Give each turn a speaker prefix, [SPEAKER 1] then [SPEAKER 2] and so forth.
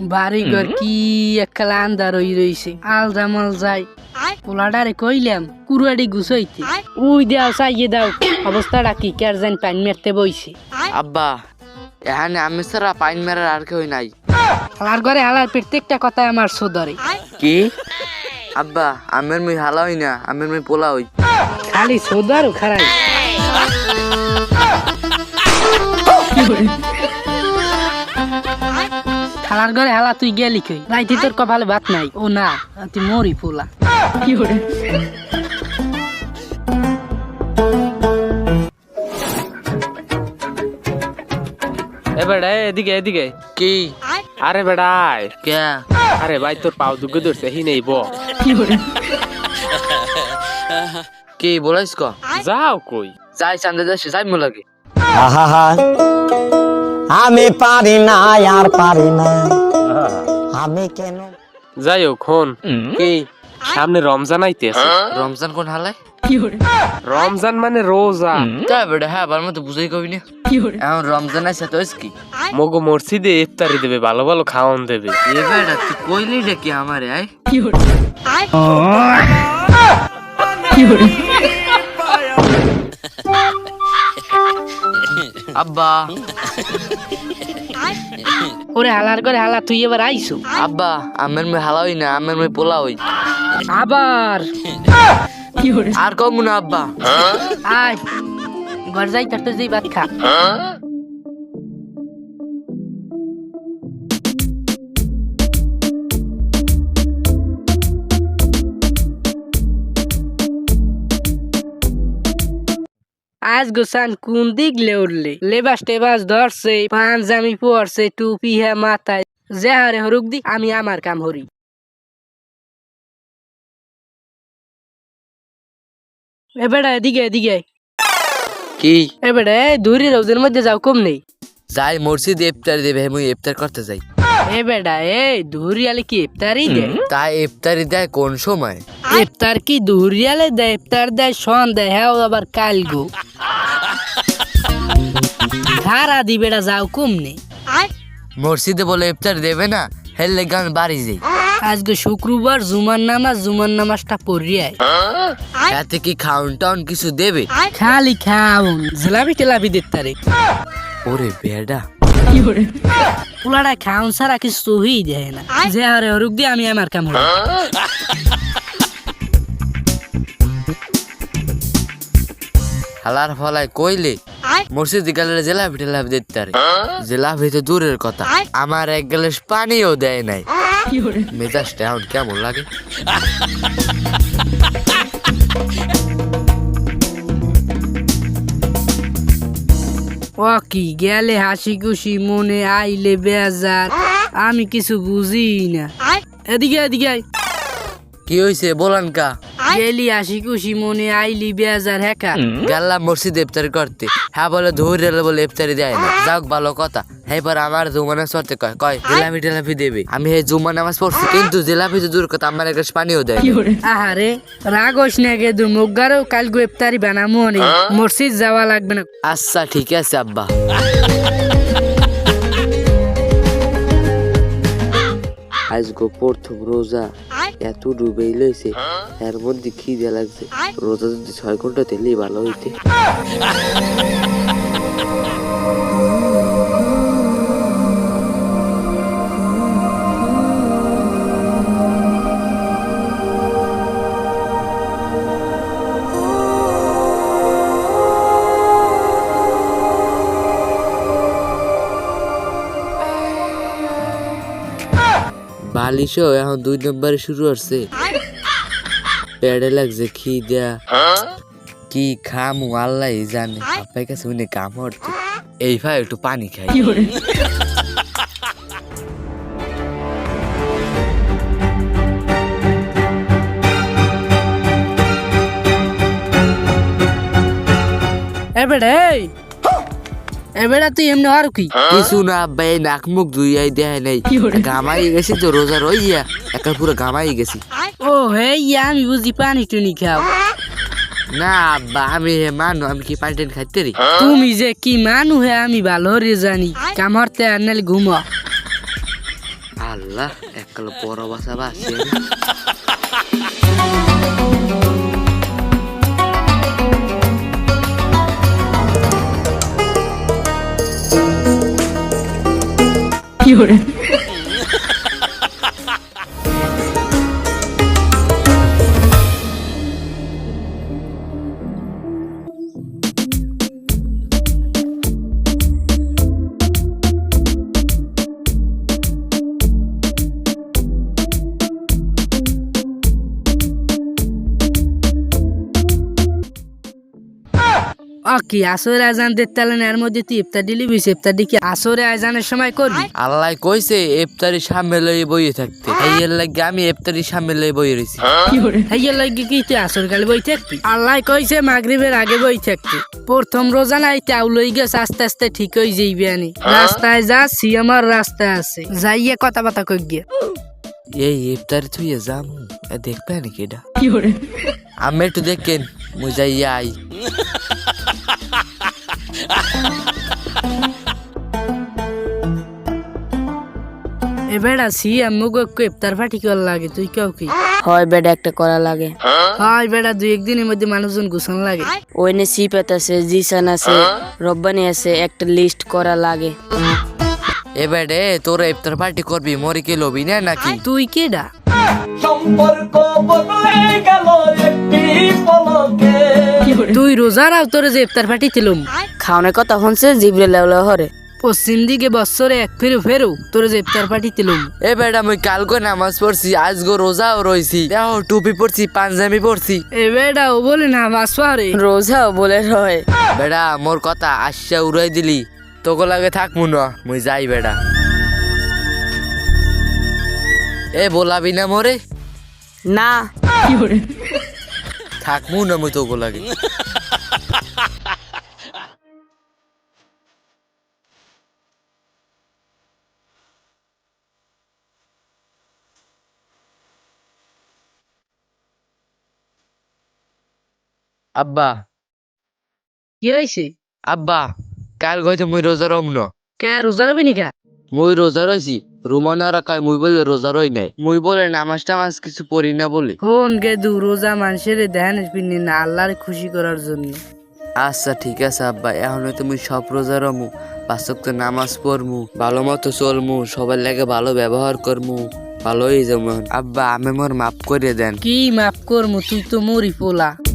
[SPEAKER 1] বাড়ি ঘর কি একখালা আন্দার হই রইছে আলজামাল যাই পোলাডারে কইলাম কুরুয়াডি গুছাইতে উই দাও চাইয়ে দাও অবস্থাটা কি কের জান পাইন মেরতে বইছে
[SPEAKER 2] আব্বা এখানে আমি সারা পাইন মেরার আর কেউ নাই।
[SPEAKER 1] হালার ঘরে হালার প্রত্যেকটা কথা আমার সদরে
[SPEAKER 2] কি আব্বা আমের মুই হালা হই না, আমের মুই পোলা হই।
[SPEAKER 1] খালি সদর খারাই হালার ঘরে হালা তুই গেলি কই রাইতে তোর কপালে ভাত নাই ও না তুই মরি পোলা কি করে
[SPEAKER 3] এ বেড়া এদিকে এদিকে
[SPEAKER 2] কি
[SPEAKER 3] আরে বেড়াই
[SPEAKER 2] কে
[SPEAKER 3] আরে ভাই তোর পাও দুগে ধরছে হি নেই ব
[SPEAKER 1] কি করে
[SPEAKER 2] কি বলাইস ক
[SPEAKER 3] যাও কই
[SPEAKER 2] যাই চান্দে যাই যাই মো লাগে।
[SPEAKER 4] আহা আমি পারি না আর পারি না আমি কেন
[SPEAKER 3] যাই হোক হন
[SPEAKER 2] কি
[SPEAKER 3] সামনে রমজান আইতেছে
[SPEAKER 2] রমজান কোন হালায়?
[SPEAKER 1] কি করে
[SPEAKER 3] রমজান মানে রোজা
[SPEAKER 2] তাই বেটা হ্যাঁ আবার মতো বুঝাই কবি না
[SPEAKER 1] কি করে
[SPEAKER 2] এখন রমজান আছে তো কি
[SPEAKER 3] মগো মসজিদে ইফতারি দেবে ভালো ভালো খাওয়ান দেবে
[SPEAKER 2] এ বেটা তুই কইলি রে কি আমারে আই
[SPEAKER 1] কি করে কি করে
[SPEAKER 2] আব্বা
[SPEAKER 1] ওরে হালার ঘরে হালা তুই এবার আইছো
[SPEAKER 2] আব্বা আমের মুই হালা হই না, আমের মুই পোলা হই।
[SPEAKER 1] আবার কি করে
[SPEAKER 2] আর কম না আব্বা
[SPEAKER 1] আয় ঘর যাই তার তো যেই ভাত খা আজ গোসান কোন দিক লে উঠলে লেবাস টেবাস ধরছে পাঞ্জামি পরছে টুপি হ্যাঁ মাথায় যে হারে হরুক দি আমি আমার কাম হরি এবেড়া এদিকে এদিকে
[SPEAKER 2] কি
[SPEAKER 1] এবেড়া দূরে রোদের মধ্যে যাও কম নেই
[SPEAKER 2] যাই মসজিদে ইফতার দেবে মুই ইফতার করতে যাই।
[SPEAKER 1] এ বেড়া দুহরিয়ালে কি ইফতারি দেয়
[SPEAKER 2] তাই ইফতারি দেয় কোন সময়?
[SPEAKER 1] ইফতার কি দুহরিয়ালে দেয় ইফতার দেয় সন্ধ্যায় হ্যাঁ আবার কাল গো সারা দি বেড়া যাও কম নেই
[SPEAKER 2] মসজিদে বলে ইফতার দেবে না হেললে গান বাড়ি যাই।
[SPEAKER 1] আজকে শুক্রবার জুমার নামাজটা পড়িয়ায়
[SPEAKER 2] এতে কি খাউন টাউন কিছু দেবে?
[SPEAKER 1] খালি খাউন জিলাপি টেলাপি দিতারে
[SPEAKER 2] ওরে বেডা
[SPEAKER 1] পোলাটা খাউন ছাড়া কিছু তুই দেয় না যে হারে হরুক দিয়ে আমি আমার কাম হরি
[SPEAKER 2] হালার ফলায় কইলে মসজিদে গেলে জেলাপি টেলাপি দিতে পারে। জেলাপি তো দূরের কথা আমার এক গ্লাস পানিও দেয় নাই। মেজাজটা এখন কেমন লাগে?
[SPEAKER 1] ও কি গেলে হাসি খুশি মনে আইলে বেজার আমি কিছু বুঝি না এদিকে এদিকে আয়।
[SPEAKER 2] কি হইছে বলান কা?
[SPEAKER 1] গেলি হাসি খুশি মনে আইলি বেজার হ্যাঁ
[SPEAKER 2] গেলাম মসজিদে ইফতারি করতে, হ্যাঁ বলে ধরে বলে ইফতারি দেয় না। যাক ভালো কথা, হ্যাঁ পর আমার জুমা নামাজ পড়তে কয় কয় জিলাপি টেলাপি দেবে। আমি এই জুমা নামাজ পড়ছি কিন্তু জিলাপি তো দূর কথা আমার এক গ্লাস পানিও দেয় না।
[SPEAKER 1] আহারে রাগস না গে দু মুগারও কাল গো ইফতারি বানামো নে মসজিদ যাওয়া লাগবে না।
[SPEAKER 2] আচ্ছা ঠিক আছে আব্বা। আজ গো প্রথম রোজা এত ডুবেই লইছে এর মধ্যে খিদে লাগছে। রোজা যদি 6 ঘন্টা তেলেই ভালো হইতে। বালিশও এখন 2 নম্বরে শুরু হচ্ছে। পেড়ে লাগছে খিদা কি খামু আল্লাহ জানে। আপনার কাছে উনি কাম হচ্ছে এই ভাই একটু পানি খাই।
[SPEAKER 1] এবেড়া তুই এমনি আর কি
[SPEAKER 2] কিছু না আব্বা, এই নাক মুখ ধুইয়াই দেয় নাই, ঘামাই গেছি তো রোজা রইয়া একা পুরো ঘামাই গেছি।
[SPEAKER 1] ও হে আমি বুঝি পানি টুনি খাও
[SPEAKER 2] না আব্বা আমি মানু, আমি কি পানি টানি খাইতে রি?
[SPEAKER 1] তুমি যে কি মানু হে আমি ভালো রে জানি কামড়তে আর নালে ঘুমো।
[SPEAKER 2] আল্লাহ আল্লাহ এককাল বড় বাসা বাসে
[SPEAKER 1] কি আসরে আজান দেখতালেন এর মধ্যে তুই ইফতার দিলি বিশ ইফতার দিকে আসরে আজানের সময় করবি?
[SPEAKER 2] আল্লাহ কইছে ইফতারি সামনে লয়ে বইয়ে থাকতে এর লাগে আমি ইফতারি সামনে লয়ে বইয়ে রইছি
[SPEAKER 1] হাইয়া লাগে কি তুই আসর গালে বই থাকবি? আল্লাহ কইছে মাগরিবের আগে বই থাকতে। প্রথম রোজা নাই তাও লই গেছে আস্তে আস্তে ঠিক হয়ে যাইবি আনি। রাস্তায় যাচ্ছি আমার রাস্তায় আছে যাইয়া কথা বাতা কই গিয়া
[SPEAKER 2] এই ইফতারি তুই যাম দেখবে নাকি এটা আমি একটু দেখেন মুই যাইয়া আই
[SPEAKER 1] এবার আসি আম্মুক ইফতার পার্টি করা লাগে তুই কেউ কি?
[SPEAKER 5] হয় বেডা একটা করা লাগে।
[SPEAKER 1] হয় বেটা দুই একদিনের মধ্যে মানুষজন গুছান লাগে।
[SPEAKER 5] ওইনে সিপাত আছে, জিসান আছে, রব্বানি আছে, একটা লিস্ট করা লাগে।
[SPEAKER 2] এবারে তোরা ইফতার পার্টি করবি মরে কে লবি না নাকি?
[SPEAKER 1] তুই কেডা? তুই রোজারাও তোরে যে ইফতার পার্টি দিলুম
[SPEAKER 5] খাওয়ানোর কথা হচ্ছে জিবরে লেওলা হরে।
[SPEAKER 1] পশ্চিম দিকে বছরে এক ফেরু তোরে যে ইফতার পার্টি দিলুম।
[SPEAKER 2] এ বেটা মুই কালকে নামাজ পড়ছি আজগো রোজাও রইছি দেখো টুপি পড়ছি পাঞ্জাবি পড়ছি
[SPEAKER 1] এ বেটা ও বলে না বাসরে
[SPEAKER 5] রোজাও বলে রয়।
[SPEAKER 2] বেটা মোর কথা আশা উড়াই দিলি তোকে লাগে থাকমু না মুই যাই বেটা এ বলাবি না মোরে
[SPEAKER 5] না
[SPEAKER 2] থাকমু না মুই তোকে লাগে আব্বা
[SPEAKER 1] কি হয়েছে?
[SPEAKER 2] আব্বা কাল গইতে মুই রোজা রম না
[SPEAKER 1] কে রোজা রবি নি কা?
[SPEAKER 2] মুই রোজা রইছি রুমানারা কয় মুই বলে রোজা রই নাই মুই বলে নামাজ টামাজ কিছু পড়ি না বলে
[SPEAKER 1] ফোন গে দু রোজা মানুষের ধ্যান পিনি না আল্লাহরে খুশি করার জন্য।
[SPEAKER 2] আচ্ছা ঠিক আছে আব্বা এখন হয়তো মুই সব রোজা রমু পাঁচ ওয়াক্ত নামাজ পড়মু ভালো মতো চলমু সবার লাগে ভালো ব্যবহার করমু ভালোই যেমন আব্বা আমি মোর মাফ করে দেন।
[SPEAKER 1] কি মাফ করমু তুই তো মরি পোলা।